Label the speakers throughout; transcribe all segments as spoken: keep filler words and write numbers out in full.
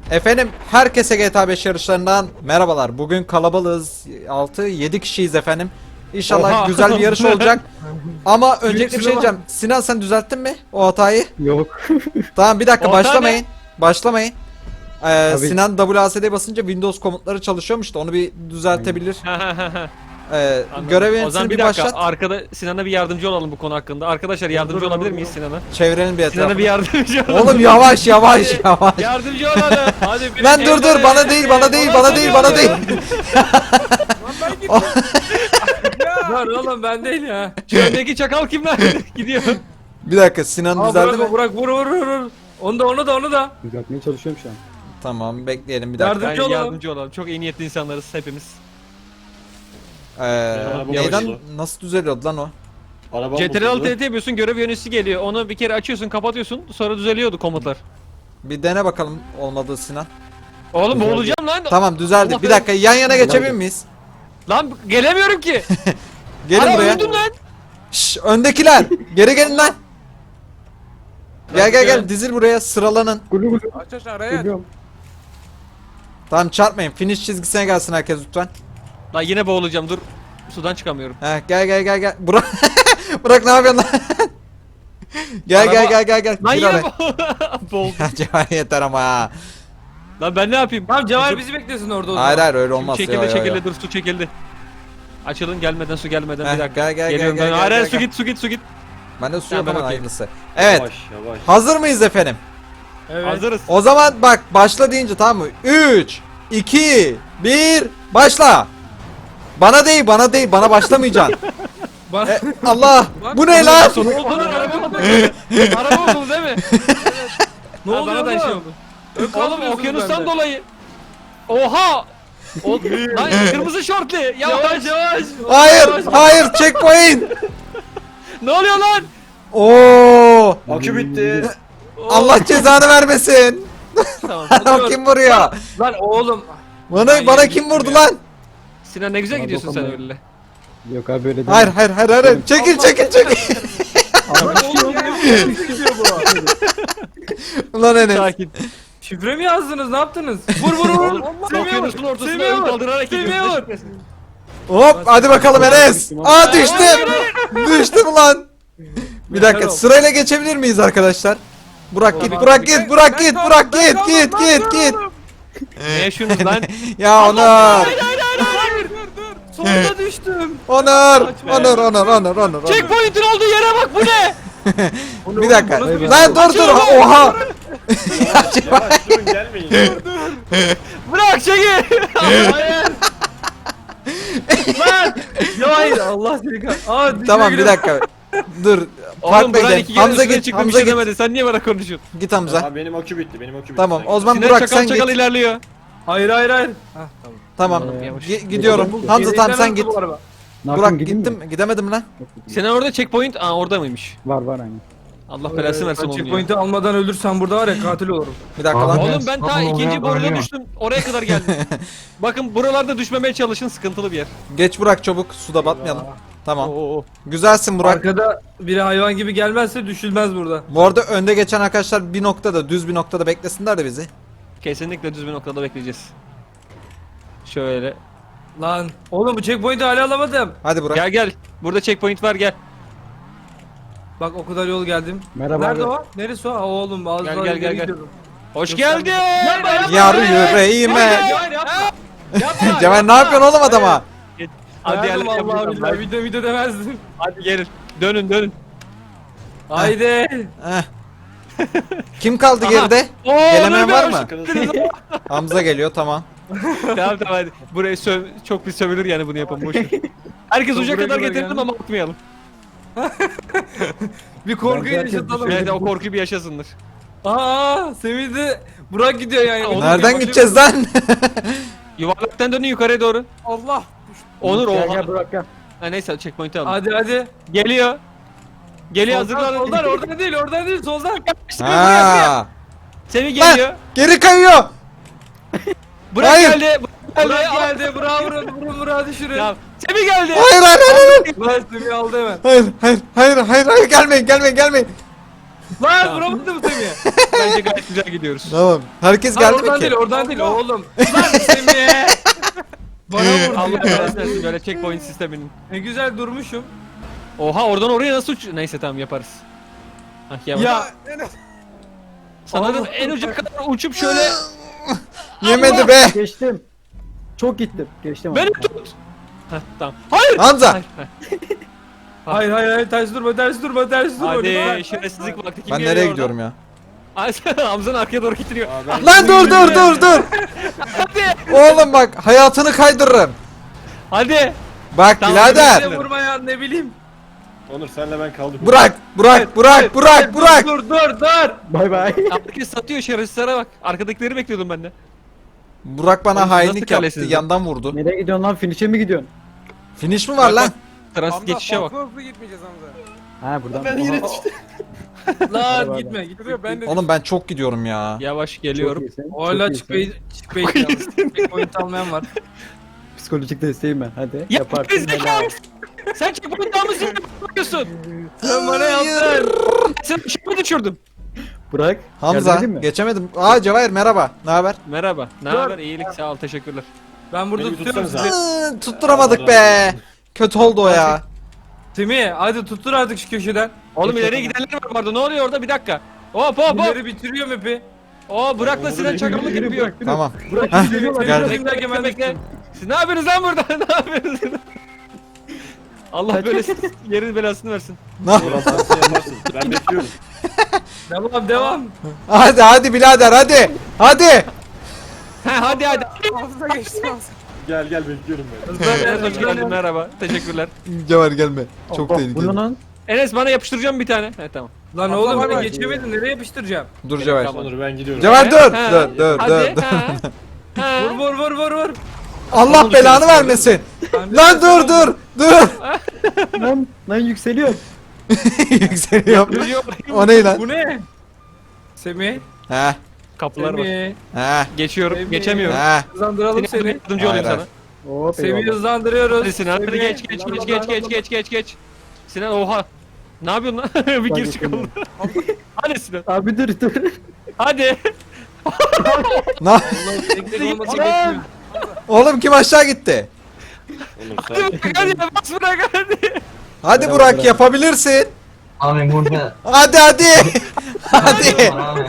Speaker 1: Efendim herkese G T A beş yarışlarından merhabalar. Bugün kalabalığız. altı yedi kişiyiz efendim. İnşallah
Speaker 2: Oha.
Speaker 1: güzel bir yarış olacak. Ama öncelikle bir şey diyeceğim. Sinan sen düzelttin mi o hatayı?
Speaker 3: Yok.
Speaker 1: Tamam bir dakika
Speaker 2: O hata
Speaker 1: başlamayın. Başlamayın. Ee,
Speaker 3: Abi-
Speaker 1: Sinan W A S D basınca Windows komutları çalışıyormuş da onu bir düzeltebilir. Ee, görev
Speaker 2: O zaman
Speaker 1: yöneticisini
Speaker 2: bir
Speaker 1: bir
Speaker 2: dakika
Speaker 1: başlat.
Speaker 2: arkada Sinan'a bir yardımcı olalım bu konu hakkında. Arkadaşlar yardımcı olabilir miyiz Sinan'a?
Speaker 1: Çevirelim bir
Speaker 2: Sinan'a bir
Speaker 1: etrafını.
Speaker 2: yardımcı olalım.
Speaker 1: Oğlum yavaş yavaş
Speaker 2: Hadi,
Speaker 1: yavaş.
Speaker 2: Yardımcı olalım. Hadi bir
Speaker 1: Lan dur dur bana değil bana değil bana değil bana değil.
Speaker 4: Lan oğlum ben değil ya.
Speaker 2: Şu öndeki çakal kim lan? Gidiyor.
Speaker 1: Bir dakika Sinan
Speaker 4: Aa,
Speaker 1: düzeldi
Speaker 4: bırak,
Speaker 1: mi?
Speaker 4: bırak vur vur vur vur. Onu da onu da onu da.
Speaker 3: Düzeltmeye çalışıyorum şu an.
Speaker 1: Tamam bekleyelim bir dakika.
Speaker 4: Yardım-
Speaker 2: Yani
Speaker 4: olalım.
Speaker 2: yardımcı olalım. Çok iyi niyetli insanlarız hepimiz.
Speaker 1: Ee,
Speaker 5: araba
Speaker 1: neyden
Speaker 5: bozuldu.
Speaker 1: nasıl düzeliyordu lan o?
Speaker 5: Arabam
Speaker 2: C T R L
Speaker 5: bozuldu.
Speaker 2: T T yapıyorsun, görev yöneticisi geliyor. Onu bir kere açıyorsun, kapatıyorsun. Sonra düzeliyordu komutlar.
Speaker 1: Bir dene bakalım olmadı Sinan.
Speaker 2: Oğlum
Speaker 3: Düzeldi.
Speaker 2: boğulacağım lan.
Speaker 1: Tamam düzeldi.
Speaker 2: Allah
Speaker 1: Bir dakika yan yana geçebilir miyiz?
Speaker 2: Lan gelemiyorum ki.
Speaker 1: Gelin
Speaker 2: Ana
Speaker 1: buraya.
Speaker 2: öldüm lan.
Speaker 1: Şşş öndekiler. Geri gelin lan. Gel gel gel dizil buraya sıralanın.
Speaker 3: Gulu gulu.
Speaker 4: Aç aç araya.
Speaker 3: Geliyorum.
Speaker 1: Tamam çarpmayın. Finish çizgisine gelsin herkes lütfen.
Speaker 2: Lan yine boğulacağım dur. Sudan çıkamıyorum.
Speaker 1: Heh, gel gel gel gel. Burak Burak ne yapıyorsun lan? Gel
Speaker 2: Araba-
Speaker 1: gel gel gel gel.
Speaker 2: Lan
Speaker 1: Gir
Speaker 2: yine
Speaker 1: oraya.
Speaker 2: bo- boğuldum.
Speaker 1: Ya Cevher yeter ama ha.
Speaker 2: Lan ben ne yapayım?
Speaker 4: Tamam Cevher bizi beklesin orada o zaman.
Speaker 1: Hayır hayır öyle
Speaker 2: Su
Speaker 1: olmaz.
Speaker 2: çekildi
Speaker 1: Yo, yo, yo.
Speaker 2: çekildi dur su çekildi. Açılın gelmeden su gelmeden
Speaker 1: Heh,
Speaker 2: bir dakika.
Speaker 1: gel gel gel
Speaker 2: Geliyorum
Speaker 1: gel.
Speaker 2: ben.
Speaker 1: gel,
Speaker 2: Hayır
Speaker 1: gel,
Speaker 2: hayır, su
Speaker 1: gel.
Speaker 2: git su git su git.
Speaker 1: Ben de su
Speaker 2: Tamam,
Speaker 1: yok
Speaker 2: ben
Speaker 1: ama
Speaker 2: okeyim.
Speaker 1: hayırlısı. Evet.
Speaker 5: Yavaş yavaş.
Speaker 1: Hazır mıyız efendim?
Speaker 4: Evet.
Speaker 2: Hazırız.
Speaker 1: O zaman bak başla deyince tamam mı? üç, iki, bir, başla. Bana değil bana değil bana başlamayacaksın.
Speaker 4: Bak.
Speaker 1: E, Allah bu ne lan?
Speaker 2: Ne oldu lan araba oldu. Araba oldu değil mi?
Speaker 4: Ne
Speaker 2: Ha,
Speaker 4: oluyor
Speaker 2: bana da
Speaker 4: oğlum?
Speaker 2: şey oldu.
Speaker 4: Ön
Speaker 2: Oğlum
Speaker 4: kaldırıyorsunuz
Speaker 2: okyanustan
Speaker 4: bende.
Speaker 2: dolayı. Oha! O, lan kırmızı şortlu. Yavaş yavaş.
Speaker 1: Hayır hayır checkpoint.
Speaker 2: Ne oluyor lan?
Speaker 1: Oo!
Speaker 5: Akü bitti.
Speaker 1: Allah cezanı vermesin.
Speaker 2: Tamam.
Speaker 1: Kim vuruyor?
Speaker 4: Lan oğlum.
Speaker 1: Bana bana kim vurdu lan?
Speaker 2: Sinan ne güzel
Speaker 3: Bana
Speaker 2: gidiyorsun sen
Speaker 3: dokunmayın.
Speaker 2: öyle.
Speaker 3: Yok abi öyle değil.
Speaker 1: Hayır hayır hayır hayır. Çekil çekil çekil.
Speaker 4: Lan oğlum ya. Ne diyor bu?
Speaker 1: Ulan Enes.
Speaker 2: Sakin.
Speaker 4: Şifre mi yazdınız? Ne yaptınız? Vur vur vur.
Speaker 2: Oğlum,
Speaker 4: Semih'e vur.
Speaker 2: okyanusun ortasına
Speaker 4: Semih'e
Speaker 2: ön
Speaker 4: vur.
Speaker 2: kaldırarak
Speaker 4: Semih'e
Speaker 2: gidiyorsun.
Speaker 4: vur.
Speaker 1: Hop hadi bakalım Enes. Aa düştüm. Düştüm lan. Bir dakika
Speaker 4: Merhaba.
Speaker 1: sırayla geçebilir miyiz arkadaşlar? Burak git
Speaker 4: Tamam.
Speaker 1: Burak git Burak git
Speaker 4: Ben
Speaker 1: Burak
Speaker 4: kaldım,
Speaker 1: git
Speaker 4: ben
Speaker 1: git
Speaker 4: kaldım,
Speaker 1: git
Speaker 4: ben
Speaker 1: git.
Speaker 4: kaldım.
Speaker 2: Ne yaşıyorsunuz lan?
Speaker 1: Ya Onur.
Speaker 4: Hayır hayır dur dur. Sonunda düştüm.
Speaker 1: Onur. Onur Onur Onur Onur.
Speaker 2: Checkpoint'in olduğu yere bak bu ne?
Speaker 1: Bir dakika.
Speaker 4: Bunu- bunu-
Speaker 1: Lan dur dur. Oha.
Speaker 5: Yavaş durun gelmeyin.
Speaker 2: Bırak çekil. Hayır.
Speaker 4: Lan. Ya hayır Allah seni kah. Aa dişime
Speaker 1: Tamam bir
Speaker 4: girdim.
Speaker 1: dakika. Dur.
Speaker 2: Oğlum
Speaker 1: Farklı
Speaker 2: Burak
Speaker 1: gidelim.
Speaker 2: iki kere
Speaker 1: Hamza
Speaker 2: üstüne
Speaker 1: git.
Speaker 2: çıktı bir
Speaker 1: Hamza
Speaker 2: şey
Speaker 1: git.
Speaker 2: demedi. Sen niye bana konuşuyorsun?
Speaker 1: Git Hamza.
Speaker 5: Abi benim akü bitti. Benim akü bitti.
Speaker 1: Tamam
Speaker 5: Sen
Speaker 1: o zaman
Speaker 2: Sinan
Speaker 1: Burak
Speaker 2: çakal
Speaker 1: sen
Speaker 2: çakal
Speaker 1: git.
Speaker 2: ilerliyor.
Speaker 4: Hayır hayır hayır. Hah tamam.
Speaker 1: Tamam.
Speaker 2: Ee, Yavaş.
Speaker 1: Gi- gidiyorum.
Speaker 3: Burak,
Speaker 1: Hamza tamam sen
Speaker 4: Yeniden
Speaker 1: git.
Speaker 4: aldı bu araba.
Speaker 3: Ne yapayım,
Speaker 1: Burak
Speaker 3: gideyim mi?
Speaker 1: gittim. Gidemedim mi lan?
Speaker 3: Yok, gideyim.
Speaker 2: Senin orada checkpoint, aa orada mıymış?
Speaker 3: Var var aynen.
Speaker 2: Allah belasını versin
Speaker 4: Ben
Speaker 2: oğlum ya.
Speaker 4: checkpoint'i almadan ölürsem burada var ya katil olurum.
Speaker 1: Bir dakika lan.
Speaker 2: Oğlum ben ta ikinci boruda düştüm. Oraya kadar geldim. Bakın buralarda düşmemeye çalışın, sıkıntılı bir yer.
Speaker 1: Geç Burak çabuk. Suda batmayalım. Tamam.
Speaker 2: Oo.
Speaker 1: Güzelsin Burak.
Speaker 4: Arkada biri hayvan gibi gelmezse düşülmez burada.
Speaker 1: Bu arada önde geçen arkadaşlar bir noktada düz bir noktada beklesinler de bizi.
Speaker 2: Kesinlikle düz bir noktada bekleyeceğiz. Şöyle.
Speaker 4: Lan oğlum bu checkpoint'i hala alamadım.
Speaker 1: Hadi Burak.
Speaker 2: Gel gel. Burada checkpoint var gel.
Speaker 4: Bak o kadar yol geldim.
Speaker 3: Merhaba
Speaker 4: Nerede
Speaker 3: abi.
Speaker 4: o? Neresi o? Aa, oğlum az
Speaker 2: Gel,
Speaker 4: daha
Speaker 2: gel,
Speaker 4: ileri
Speaker 2: gel, gel.
Speaker 4: gidiyordum.
Speaker 2: Hoş
Speaker 4: Yok,
Speaker 2: geldin.
Speaker 4: Yapma, yapma.
Speaker 1: Yar
Speaker 4: Hayır,
Speaker 1: yüreğime.
Speaker 4: hayır, yapma. Yapma.
Speaker 1: Cemal ne yapıyorsun oğlum adama?
Speaker 2: Hadi
Speaker 4: Hadi
Speaker 2: yerler
Speaker 4: Allah
Speaker 2: yapacağım.
Speaker 4: billahi video video demezdim.
Speaker 2: Hadi gelin. Dönün dönün.
Speaker 4: Haydi.
Speaker 1: Heh. Kim kaldı
Speaker 2: Aha.
Speaker 1: geride?
Speaker 2: Oo,
Speaker 1: Gelemeyen
Speaker 2: Onur
Speaker 1: var
Speaker 2: Bey,
Speaker 1: mı?
Speaker 2: hoş geldiniz.
Speaker 1: Hamza geliyor tamam.
Speaker 2: Tamam tamam hadi. Burayı söv çok bir sövülür yani bunu yapın boş ver. Herkes
Speaker 4: Çok
Speaker 2: uca
Speaker 4: buraya
Speaker 2: kadar
Speaker 4: kadar
Speaker 2: getirdim
Speaker 4: geldim.
Speaker 2: ama atmayalım.
Speaker 4: Bir korku
Speaker 3: Ben herkes
Speaker 4: yaşatalım.
Speaker 2: Evet o korkuyu bir yaşasınlar.
Speaker 4: Aa Semih de Burak gidiyor yani.
Speaker 2: Oğlum,
Speaker 1: Nereden
Speaker 2: bir
Speaker 1: gideceğiz lan?
Speaker 2: Yuvarlaktan dönün yukarıya doğru.
Speaker 4: Allah.
Speaker 2: Onur
Speaker 3: Gel
Speaker 2: oha.
Speaker 3: gel Burak gel.
Speaker 2: Ha neyse checkpoint'i alın.
Speaker 4: Hadi hadi.
Speaker 2: Geliyor. Geliyor
Speaker 4: Soldan,
Speaker 2: hazırlanın.
Speaker 4: soldan oradan değil oradan değil soldan.
Speaker 2: İşte buraya buraya.
Speaker 1: Ha.
Speaker 2: Semih
Speaker 1: Lan,
Speaker 2: geliyor.
Speaker 1: geri kayıyor.
Speaker 2: Burak
Speaker 1: Hayır.
Speaker 2: geldi. Burak
Speaker 4: Burak
Speaker 2: geldi.
Speaker 4: geldi. Burak vurun vurun Burak'ı düşürün.
Speaker 2: Ya Semih geldi.
Speaker 1: Hayır hayır hayır hayır.
Speaker 4: Burak Semih aldı hemen.
Speaker 1: Hayır hayır hayır hayır hayır gelmeyin gelmeyin gelmeyin.
Speaker 4: Lan vuramadım Semih'e.
Speaker 2: Bence gayet güzel gidiyoruz.
Speaker 1: Tamam. Herkes
Speaker 4: Lan
Speaker 1: geldi
Speaker 4: oradan
Speaker 1: mi
Speaker 4: değil
Speaker 1: ki?
Speaker 4: oradan değil oğlum. Lan Semih'e. Bana vurdu
Speaker 2: Allah
Speaker 4: ya.
Speaker 2: belasını versin böyle checkpoint sisteminin.
Speaker 4: Ne güzel durmuşum.
Speaker 2: Oha oradan oraya nasıl uç... Neyse tamam yaparız. Hah yavaş.
Speaker 4: Ya
Speaker 2: Sanırım en uca kadar uçup şöyle...
Speaker 1: Yemedi be.
Speaker 3: Geçtim. Çok gittim. Geçtim.
Speaker 2: Beni
Speaker 3: abi.
Speaker 2: tut. Heh tamam. Hayır.
Speaker 1: Hamza.
Speaker 2: Hayır, hayır.
Speaker 4: hayır hayır hayır ters durma ters durma ters durma.
Speaker 2: Hadi
Speaker 4: lütfen.
Speaker 2: şerefsizlik vakti kim
Speaker 1: Ben
Speaker 2: geliyor
Speaker 1: nereye
Speaker 2: oradan?
Speaker 1: gidiyorum ya?
Speaker 2: Ay Hamza'nın arkaya doğru getiriyor.
Speaker 5: Aa, ben-
Speaker 1: Lan dur dur dur dur.
Speaker 2: Hadi.
Speaker 1: Oğlum bak hayatını kaydırırım.
Speaker 2: Hadi.
Speaker 1: Bak
Speaker 2: Tamam,
Speaker 1: birader.
Speaker 4: Bize vurma ya ne bileyim.
Speaker 5: Onur senle ben kaldık.
Speaker 1: Burak, Burak, Burak, Burak, Burak.
Speaker 4: Dur dur dur.
Speaker 3: Bay bay.
Speaker 2: Herkes satıyor şerefsizlere bak. Arkadakileri bekliyordum ben de.
Speaker 1: Burak bana
Speaker 2: Oğlum,
Speaker 1: hainlik
Speaker 2: nasıl
Speaker 1: yaptı.
Speaker 2: kalesiniz lan?
Speaker 1: Yandan vurdu.
Speaker 3: Nereye gidiyorsun lan? Finish'e mi gidiyorsun?
Speaker 1: Finish mi var
Speaker 2: Bak,
Speaker 1: lan?
Speaker 2: Transit geçişe bak.
Speaker 6: Hızlı gitmeyeceğiz Hamza.
Speaker 3: Ha buradan.
Speaker 5: Ben yine
Speaker 4: Lan
Speaker 3: Hadi
Speaker 4: gitme gitme.
Speaker 6: Duruyor ben de
Speaker 1: Oğlum ben çok gidiyorum ya.
Speaker 2: Yavaş
Speaker 3: Çok
Speaker 2: geliyorum.
Speaker 3: iyisin, çok
Speaker 4: Hala
Speaker 3: iyisin.
Speaker 4: çıkmayı çıkmayı Checkpoint almayan var.
Speaker 3: Psikolojik desteğim ben. Hadi.
Speaker 2: Ya
Speaker 3: Yaparsın.
Speaker 2: gerizekalı
Speaker 3: helal.
Speaker 2: mısın? Sen checkpoint almışsın. Ne yapıyorsun?
Speaker 4: Sen bana yaptın.
Speaker 2: Sen ışığı düşürdüm.
Speaker 3: Bırak.
Speaker 1: Hamza
Speaker 3: yardım edeyim mi?
Speaker 1: geçemedim. Aa Cevahir merhaba. Ne haber?
Speaker 2: Merhaba. Ne haber? İyilik sağ ol. Teşekkürler.
Speaker 4: Ben burada
Speaker 5: Beni bir
Speaker 4: tutuyorum
Speaker 5: tutsanıza.
Speaker 4: sizi.
Speaker 1: Iıı, Tutturamadık be. Kötü oldu o ya.
Speaker 4: Semih hadi tuttur artık şu köşeden.
Speaker 2: Oğlum ileriye gidenler var vardı. Ne oluyor orada? Bir dakika. Hop hop hop.
Speaker 4: Bunları bitiriyor map'i.
Speaker 2: Oo Burak'la Sinan çakallık
Speaker 3: yürü,
Speaker 2: yapıyor.
Speaker 3: bırak, yürü.
Speaker 1: Tamam.
Speaker 3: Bırak.
Speaker 1: Heh,
Speaker 3: Geliyorlar,
Speaker 1: geldim.
Speaker 3: geliyorlar.
Speaker 4: Bekle,
Speaker 2: Bekle
Speaker 4: ben
Speaker 2: bekle.
Speaker 4: bekliyorum.
Speaker 2: Siz ne yapıyorsunuz lan burada? ne yapıyorsunuz? Allah
Speaker 3: Kaç-
Speaker 2: böyle yerin belasını versin.
Speaker 1: Ne-
Speaker 5: Ulan sen şey yaparsın. Ben bekliyorum.
Speaker 4: Devam devam.
Speaker 1: Hadi hadi birader hadi. Hadi.
Speaker 2: He hadi hadi.
Speaker 6: Hamza geçti Hamza.
Speaker 5: Gel gel bekliyorum ben.
Speaker 2: Evet, hoş geldin merhaba. Teşekkürler.
Speaker 1: Cevahir gelme. Çok
Speaker 3: Allah,
Speaker 1: tehlikeli.
Speaker 3: Bu ne lan?
Speaker 2: Enes bana yapıştıracağım bir tane. He tamam.
Speaker 4: Lan
Speaker 6: Hamza
Speaker 4: oğlum
Speaker 6: var
Speaker 4: ben
Speaker 6: mı?
Speaker 4: geçemedim nereye yapıştıracağım?
Speaker 1: Dur Cevahir.
Speaker 2: Tamam.
Speaker 5: Onur ben gidiyorum.
Speaker 1: Cevahir dur.
Speaker 2: He,
Speaker 1: Dur dur
Speaker 2: hadi,
Speaker 1: dur.
Speaker 2: he. He.
Speaker 4: Vur vur vur vur vur.
Speaker 1: Allah
Speaker 2: Onu
Speaker 1: belanı
Speaker 2: düşürüyorsun.
Speaker 1: vermesin.
Speaker 4: Ben de
Speaker 1: Lan dur dur dur.
Speaker 3: Lan, lan yükseliyor.
Speaker 1: Yükseliyorum.
Speaker 2: Yürüyor.
Speaker 1: O ne lan?
Speaker 4: Bu ne? Semih.
Speaker 1: He
Speaker 2: Kapılar var.
Speaker 4: Semih.
Speaker 1: he
Speaker 2: Geçiyorum.
Speaker 4: Semih.
Speaker 2: Geçemiyorum.
Speaker 1: he.
Speaker 4: Hızlandıralım
Speaker 2: Seni
Speaker 4: seni.
Speaker 2: yardımcı olayım
Speaker 1: Hayır,
Speaker 2: sana.
Speaker 3: Hop
Speaker 4: Semih'i
Speaker 3: eyvallah.
Speaker 4: hızlandırıyoruz.
Speaker 2: Hadi Sinan hadi
Speaker 4: Semih.
Speaker 2: geç geç geç geç geç geç geç geç. Sinan oha. Ne yapıyorsun lan? bir gir çıkalım. Hadi Sinan.
Speaker 3: Abi dur dur.
Speaker 2: Hadi.
Speaker 1: Ne?
Speaker 4: Allah tek olması gerekmiyor.
Speaker 1: Oğlum kim aşağı gitti?
Speaker 5: Onur
Speaker 2: Hadi
Speaker 5: sen.
Speaker 2: bırak hadi bas bırak hadi.
Speaker 1: Hadi
Speaker 3: Bravo,
Speaker 1: Burak
Speaker 3: bravo.
Speaker 1: yapabilirsin.
Speaker 7: Abi burada
Speaker 1: Hadi hadi. hadi.
Speaker 7: abi.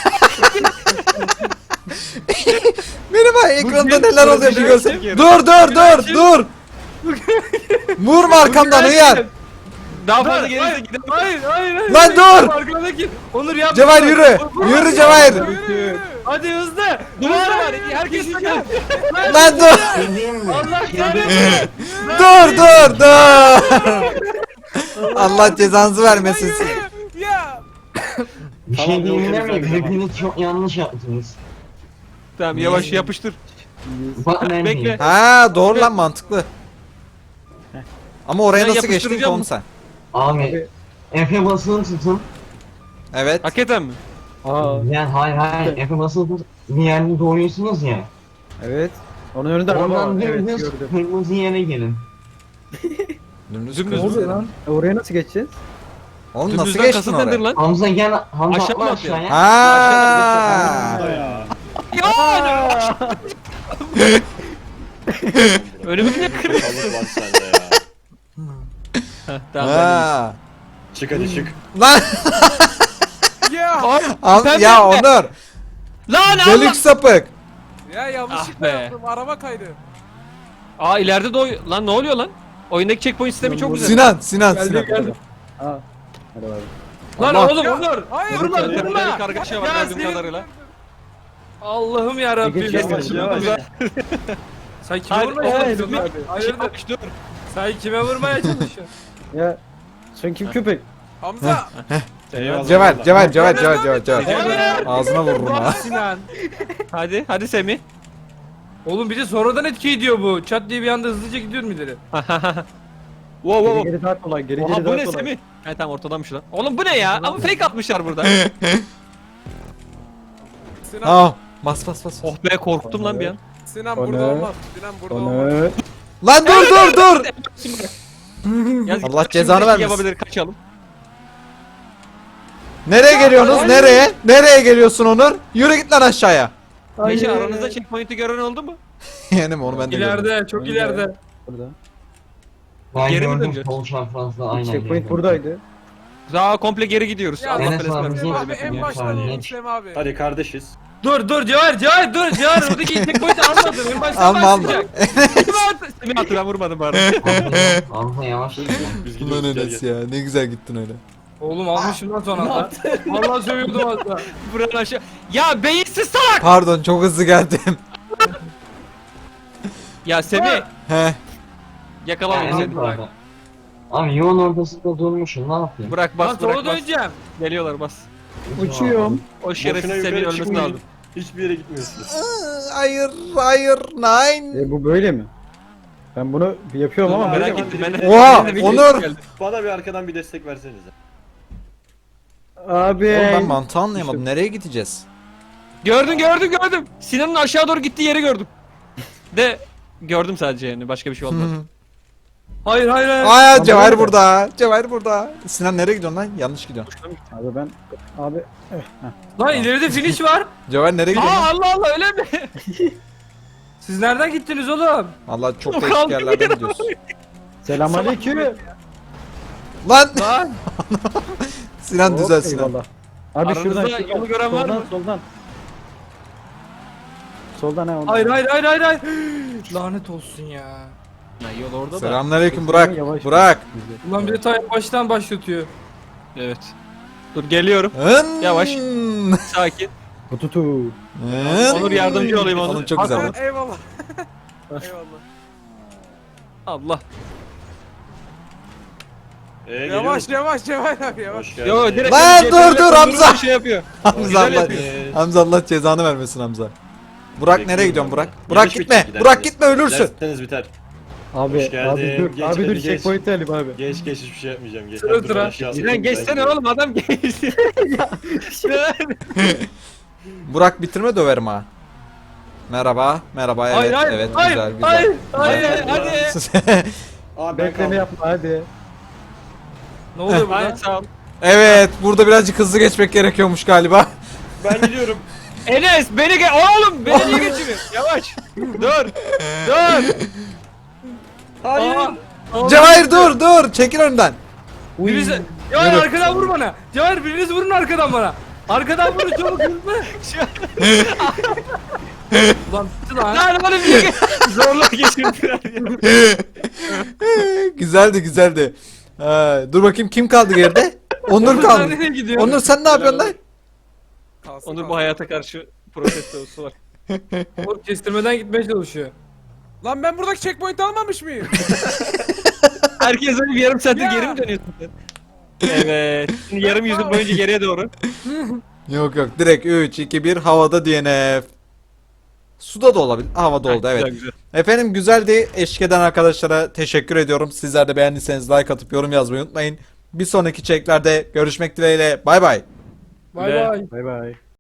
Speaker 1: Benim ay ekranda
Speaker 2: Bu
Speaker 1: neler
Speaker 2: bir-
Speaker 1: oluyor bir
Speaker 2: bir-
Speaker 1: görsen.
Speaker 2: bir-
Speaker 1: Dur dur dur dur. Vurma arkamdan uyar.
Speaker 2: Daha
Speaker 4: Dur,
Speaker 2: fazla gerisi
Speaker 4: hayır,
Speaker 2: gidelim.
Speaker 4: hayır hayır hayır.
Speaker 1: Lan dur!
Speaker 4: Arkadaki. Onur yapma.
Speaker 1: Cevahir yürü.
Speaker 4: Vur, vur,
Speaker 1: Yürü
Speaker 4: vur.
Speaker 1: Cevahir.
Speaker 4: Hadi hızlı.
Speaker 2: Duvar var. Herkes
Speaker 4: Düşeceğim.
Speaker 1: Lan dur.
Speaker 7: Dediğim mi?
Speaker 4: Allah kahretsin.
Speaker 1: Dur dur dur. Allah cezanızı vermesin.
Speaker 6: Ya.
Speaker 7: Bir
Speaker 5: Tamam,
Speaker 7: şey diyeyim
Speaker 5: yok,
Speaker 7: mi?
Speaker 5: yok, yok.
Speaker 7: Hepiniz çok yanlış yaptınız.
Speaker 2: Tamam yavaş yapıştır.
Speaker 7: Bak ben
Speaker 2: Bekle.
Speaker 7: diyeyim.
Speaker 1: Ha doğru lan mantıklı. Ama oraya
Speaker 2: Ben
Speaker 1: nasıl geçtin ki
Speaker 2: yapıştıracağım
Speaker 1: oğlum
Speaker 2: mı?
Speaker 1: sen?
Speaker 7: Abi Efe basılı tutun.
Speaker 1: Evet.
Speaker 2: Hakikaten mi?
Speaker 3: Aa
Speaker 7: Yani hayır hayır Efe basılı tutun. Bir yerde doğuyorsunuz ya.
Speaker 3: evet. Onun önünde araba var.
Speaker 7: Oradan
Speaker 3: Evet
Speaker 7: dümdüz
Speaker 3: gördüm.
Speaker 7: kırmızı yere gelin.
Speaker 1: Dümdüz
Speaker 2: Dümdüz
Speaker 3: Ne
Speaker 1: kırmızı.
Speaker 3: oluyor lan? E, oraya nasıl geçeceğiz?
Speaker 1: Oğlum nasıl
Speaker 2: Dümdüzden
Speaker 1: geçtin
Speaker 2: kasıt nedir
Speaker 1: oraya?
Speaker 2: lan?
Speaker 7: Hamza gel Hamza
Speaker 2: Aşağı mı
Speaker 7: atla
Speaker 2: atlayalım?
Speaker 7: aşağıya.
Speaker 1: Ha.
Speaker 5: Ya.
Speaker 2: Önümü niye kırıyorsun?
Speaker 5: Balık var sende ya.
Speaker 2: Heh, tamam ben
Speaker 1: Ha.
Speaker 5: Çık hadi çık.
Speaker 1: Lan
Speaker 6: Ya.
Speaker 1: al-
Speaker 2: Sen
Speaker 1: ya
Speaker 2: bekle.
Speaker 1: Onur.
Speaker 2: Lan Allah!
Speaker 1: Delik sapık.
Speaker 6: Ya yanlışlıkla
Speaker 2: Ah be.
Speaker 6: yaptım. Araba kaydı.
Speaker 2: Aa ileride de oy... Lan ne oluyor lan? Oyundaki checkpoint sistemi çok güzel.
Speaker 1: Sinan, Sinan,
Speaker 4: Geldi
Speaker 1: Sinan.
Speaker 4: geldi.
Speaker 3: Aa. Hadi abi.
Speaker 4: Lan
Speaker 1: Allah.
Speaker 4: oğlum Onur.
Speaker 6: Hayır.
Speaker 4: Vurma
Speaker 2: Burada bir
Speaker 4: vurma.
Speaker 2: kargaşa var
Speaker 4: Ya
Speaker 2: gördüğüm
Speaker 4: senin-
Speaker 2: kadarıyla.
Speaker 4: Allah'ım yarabbim.
Speaker 3: Geçeceğiz
Speaker 5: Yavaş
Speaker 3: şimdi.
Speaker 5: yavaş.
Speaker 4: Sen kime
Speaker 2: Hadi,
Speaker 4: vurmaya
Speaker 2: oğlum,
Speaker 4: çalışıyorsun
Speaker 3: dur
Speaker 4: abi?
Speaker 3: abi.
Speaker 4: Hayırdır?
Speaker 2: Yavaş dur.
Speaker 4: Sen kime vurmaya çalışıyorsun?
Speaker 3: Ya sen kim köpek?
Speaker 6: Hamza.
Speaker 5: Eyvallah.
Speaker 1: Cevher, Cevher, Cevher, Cevher, Cevher, Cevher.
Speaker 2: Cevher.
Speaker 1: Ağzına vururum ha.
Speaker 4: Sinan.
Speaker 2: Hadi, hadi Semih.
Speaker 4: Oğlum bir de sonradan etki ediyor bu. Çat diye bir anda hızlıca gidiyorum ileri.
Speaker 2: Wow
Speaker 3: Geri
Speaker 2: wow wow.
Speaker 3: geri daha kolay. Geri
Speaker 2: Oha
Speaker 3: geri
Speaker 2: bu
Speaker 3: daha
Speaker 2: ne
Speaker 3: kolay.
Speaker 2: Semih? He tamam ortadamış lan. Oğlum bu ne ya? Ama fake atmışlar burada.
Speaker 6: Sinan.
Speaker 1: Aa, bas bas bas.
Speaker 2: Oh be korktum lan bir an.
Speaker 6: Sinan
Speaker 3: O
Speaker 6: burada
Speaker 3: ne?
Speaker 6: olmaz. Sinan burada olmaz.
Speaker 3: Onu.
Speaker 1: Lan dur dur dur.
Speaker 2: Yalnız
Speaker 1: Allah
Speaker 2: şimdi
Speaker 1: cezanı
Speaker 2: belki
Speaker 1: vermesin.
Speaker 2: Yapabilir kaçalım.
Speaker 1: Nereye geliyorsunuz? Nereye? Nereye geliyorsun Onur? Yürü git lan aşağıya.
Speaker 2: Neşe
Speaker 3: Hayır.
Speaker 2: aranızda checkpoint'i gören oldu mu?
Speaker 1: Yani mi onu ben de gördüm.
Speaker 4: İleride, çok ileride.
Speaker 3: Burada.
Speaker 7: Ben
Speaker 2: Geri mi
Speaker 7: gördüm
Speaker 2: döneceğiz?
Speaker 7: sol çaprazda aynen.
Speaker 3: Checkpoint
Speaker 7: gördüm.
Speaker 3: buradaydı.
Speaker 2: Daha komple geri gidiyoruz.
Speaker 6: Ya,
Speaker 2: Allah
Speaker 7: Enes
Speaker 2: belasını
Speaker 7: abi,
Speaker 2: versin.
Speaker 6: Süleyman
Speaker 7: Bizim
Speaker 6: abi en
Speaker 7: ya,
Speaker 6: baştan
Speaker 7: Salih.
Speaker 6: alalım Süleyman abi.
Speaker 5: Hadi kardeşiz.
Speaker 4: Dur dur Cevher Cevher dur Cevher oradaki checkpoint'i almadın. En baştan
Speaker 1: Alma alma.
Speaker 4: başlayacak.
Speaker 2: Kim attı? Semih attı ben vurmadım bari.
Speaker 7: Hamza, Hamza yavaş git.
Speaker 5: Biz
Speaker 1: Ulan
Speaker 5: gidiyoruz gel
Speaker 1: Enes
Speaker 5: gel.
Speaker 1: ya ne güzel gittin öyle.
Speaker 4: Oğlum almışım lan son anda. Vallahi sövüyordum az daha.
Speaker 2: Buranın aşağı. Ya beyinsiz salak.
Speaker 1: Pardon çok hızlı geldim.
Speaker 2: Ya Semih
Speaker 1: He.
Speaker 2: yakalamayın
Speaker 7: Yani
Speaker 2: seni.
Speaker 7: bu arada. Abi yolun ortasında durmuşum ne yapayım?
Speaker 2: Bırak
Speaker 4: Lan
Speaker 2: bas
Speaker 4: sola
Speaker 2: bırak bas.
Speaker 4: döneceğim.
Speaker 2: Geliyorlar bas.
Speaker 3: Uçuyorum.
Speaker 2: O şerefsiz
Speaker 5: Boşuna
Speaker 2: Semih'in
Speaker 5: yukarı
Speaker 2: ölmesi
Speaker 5: çıkmayın.
Speaker 2: lazım.
Speaker 5: Hiçbir yere gitmiyorsunuz.
Speaker 1: Hayır hayır nine.
Speaker 3: E bu böyle mi? Ben bunu yapıyorum ama
Speaker 5: Dur,
Speaker 3: böyle
Speaker 2: Merak
Speaker 3: mi?
Speaker 2: ettim ben.
Speaker 1: Oha,
Speaker 2: Ben de bir
Speaker 1: Onur!
Speaker 2: geldi.
Speaker 5: Bana bir arkadan bir destek versenize.
Speaker 3: Abi.
Speaker 1: Oğlum ben mantığı anlayamadım. Nereye gideceğiz?
Speaker 2: Gördüm gördüm gördüm. Sinan'ın aşağı doğru gittiği yeri gördüm. De gördüm sadece yani başka bir şey olmadı.
Speaker 4: Hayır hayır hayır.
Speaker 1: Aa
Speaker 3: Lan
Speaker 1: Cevher
Speaker 3: böyle.
Speaker 1: burada. Cevher burada. Sinan nereye gidiyorsun lan? Yanlış gidiyorsun.
Speaker 3: Abi ben. Abi. Eh, heh.
Speaker 4: Lan ileride finish var.
Speaker 1: Cevher nereye gidiyorsun
Speaker 2: Aa
Speaker 1: lan?
Speaker 2: Allah Allah öyle mi?
Speaker 4: Siz nereden gittiniz oğlum?
Speaker 1: Allah çok
Speaker 2: Yok,
Speaker 1: değişik
Speaker 2: kaldı
Speaker 1: yerlerden
Speaker 2: bir
Speaker 1: gidiyorsun.
Speaker 3: Selamünaleyküm.
Speaker 1: Lan
Speaker 2: Lan
Speaker 1: Sinan
Speaker 3: Hop,
Speaker 1: düzel Sinan.
Speaker 3: eyvallah. Abi şuradan
Speaker 2: Aranızda
Speaker 3: şuradan.
Speaker 2: yolu gören var
Speaker 3: soldan,
Speaker 2: mı?
Speaker 3: Soldan. Soldan he ondan.
Speaker 4: Hayır hayır hayır hayır hayır. Lanet olsun ya.
Speaker 2: Ya yol orada da.
Speaker 1: Selamünaleyküm Burak.
Speaker 3: Yavaş.
Speaker 1: Burak.
Speaker 4: Ulan bir de ta baştan başlatıyor.
Speaker 2: Evet. Dur geliyorum.
Speaker 1: Hın.
Speaker 2: Yavaş. Sakin.
Speaker 3: Tututu.
Speaker 1: Hın.
Speaker 2: Onur yardımcı olayım Onur.
Speaker 1: Oğlum çok güzel
Speaker 6: Ha,
Speaker 1: lan.
Speaker 6: eyvallah. eyvallah.
Speaker 2: Allah.
Speaker 5: Ee,
Speaker 6: Yavaş
Speaker 5: geliyoruz.
Speaker 6: yavaş Cevher abi yavaş.
Speaker 5: Hoş geldin.
Speaker 2: Yo direkt
Speaker 1: Lan
Speaker 2: C T R
Speaker 1: dur,
Speaker 2: ile
Speaker 1: dur,
Speaker 2: Onur'u
Speaker 1: Hamza.
Speaker 2: Şey yapıyor.
Speaker 1: Hamza
Speaker 2: Güzel
Speaker 1: Allah,
Speaker 2: yapıyor.
Speaker 1: Hamza Allah cezanı vermesin Hamza. Burak nereye
Speaker 5: Bekliyorum
Speaker 1: gidiyorsun
Speaker 5: ben
Speaker 1: Burak?
Speaker 5: de.
Speaker 1: Burak
Speaker 5: Yavaş
Speaker 1: gitme.
Speaker 5: gidersiniz.
Speaker 1: Burak gitme ölürsün.
Speaker 5: Derseniz biter.
Speaker 3: Abi.
Speaker 5: Hoş geldin.
Speaker 3: Abi dur.
Speaker 5: Geç,
Speaker 3: abi dur
Speaker 5: hadi geç.
Speaker 3: checkpoint alayım abi.
Speaker 5: Geç geç hiçbir şey yapmayacağım. Geç.
Speaker 4: Sıra
Speaker 5: Dur,
Speaker 4: sıra.
Speaker 5: aşağı
Speaker 2: Sinan
Speaker 5: atlayayım,
Speaker 2: geçsene
Speaker 5: ben
Speaker 2: oğlum adam geçti.
Speaker 1: Burak bitirme döverim ha. Merhaba. Merhaba evet.
Speaker 4: Hayır hayır
Speaker 1: evet
Speaker 4: hayır
Speaker 1: güzel güzel.
Speaker 4: hayır
Speaker 2: Hadi
Speaker 4: hayır.
Speaker 2: hadi.
Speaker 5: Aa, ben
Speaker 3: Bekleme
Speaker 5: kaldım.
Speaker 3: yapma hadi.
Speaker 4: Ne oluyor burada?
Speaker 2: Hadi sağ ol.
Speaker 1: Evet burada birazcık hızlı geçmek gerekiyormuş galiba.
Speaker 5: Ben gidiyorum.
Speaker 2: Enes beni ge oğlum beni niye geçiriyorsun? Yavaş. Dur. Dur.
Speaker 5: Hayır.
Speaker 2: Aa,
Speaker 1: Cevahir dur dur çekil önümden.
Speaker 4: Biriniz... Cevher arkadan vur bana. Cevher biriniz vurun arkadan bana. Arkadan vurun çabuk hızlı. Ulan bitti lan.
Speaker 2: Lan oğlum niye ge- zorla geçirdiler ya.
Speaker 1: güzeldi güzeldi. Ha, dur bakayım kim kaldı geride? Onur
Speaker 4: Sen
Speaker 1: kaldı.
Speaker 4: nereye gidiyorsun?
Speaker 1: Onur sen ne yapıyorsun lan?
Speaker 6: Kalsın,
Speaker 2: Onur bu
Speaker 6: kalsın.
Speaker 2: hayata karşı protestosu var.
Speaker 4: Oğlum kestirmeden gitmeye çalışıyor.
Speaker 6: Lan ben buradaki checkpoint almamış mıyım?
Speaker 2: Herkes öyle bir yarım saattir
Speaker 6: Ya.
Speaker 2: geri mi dönüyorsun sen? Evet. Şimdi yarım yüzyıl boyunca geriye doğru.
Speaker 1: Yok yok direkt üç iki bir havada D N F. Suda da olabilir. Havada oldu evet.
Speaker 2: Güzel, güzel.
Speaker 1: Efendim güzeldi. Eşlik eden arkadaşlara teşekkür ediyorum. Sizler de beğendiyseniz like atıp yorum yazmayı unutmayın. Bir sonraki çeklerde görüşmek dileğiyle. Bay bay.
Speaker 4: Bay
Speaker 2: Ve-
Speaker 4: bay.
Speaker 3: Bay bay.